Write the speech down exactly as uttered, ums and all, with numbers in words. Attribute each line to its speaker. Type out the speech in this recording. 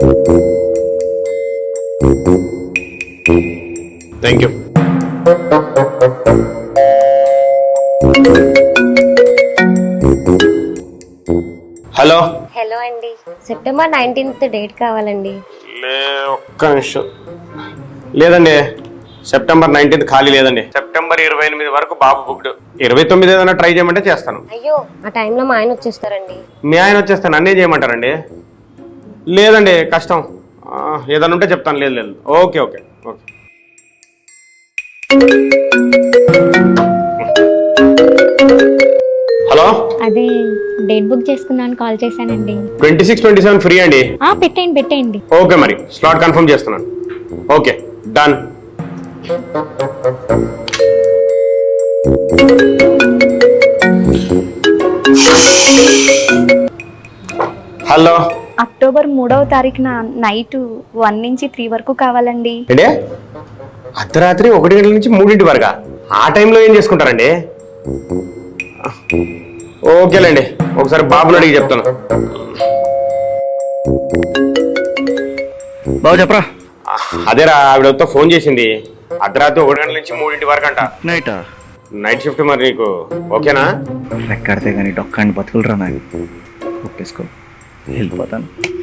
Speaker 1: Thank you. Hello
Speaker 2: hello అండి, September nineteenth date కావాలండి.
Speaker 1: లే ఒక్క నిమిషం. లేదండి, సెప్టెంబర్ నైన్టీన్త్ ఖాళీ లేదండి. సెప్టెంబర్ ఇరవై ఎనిమిది వరకు బాబు బుక్డ్. ఇరవై తొమ్మిది ఏదైనా ట్రై చేయమంటే చేస్తాను.
Speaker 2: అయ్యో, ఆ టైంలో మా ఆయన వచ్చేస్తారండి.
Speaker 1: మీ ఆయన వచ్చేస్తాను, అన్నీ చేయమంటారండి? లేదండి, కష్టం. ఏదైనా ఉంటే చెప్తాను. లేదు లేదు, ఓకే ఓకే ఓకే. హలో,
Speaker 3: అది డేట్ బుక్ చేసుకుందామని కాల్ చేశానండి.
Speaker 1: Twenty six twenty seven free అండి.
Speaker 3: ఆ పెట్టేయండి పెట్టేయండి.
Speaker 1: ఓకే, మరి స్లాట్ కన్ఫర్మ్ చేస్తున్నాను. Okay, done. హలో,
Speaker 3: అక్టోబర్ మూడవ తారీఖున నైట్ వన్ నుంచి త్రీ వరకు కావాలండి.
Speaker 1: అంటే అర్ధరాత్రి ఒకటి గంటల నుంచి మూడింటి వరకా? ఆ టైంలో ఏం చేసుకుంటారండి? ఓకేలేండి, ఒకసారి బాబుని అడిగి చెప్తాను.
Speaker 4: బాబు చెప్పరా.
Speaker 1: అదేరా, ఆవిడతో ఫోన్ చేసింది. అర్ధరాత్రి ఒకటి గంటల నుంచి మూడింటి వరకు అంట.
Speaker 4: నైటా?
Speaker 1: Night shift. మరి నీకు ఓకేనా?
Speaker 4: ఎక్కడితే కానీ డొక్కండి బతుకులరా నాకు. ఒప్పేసుకో, వెళ్ళిపోతాను.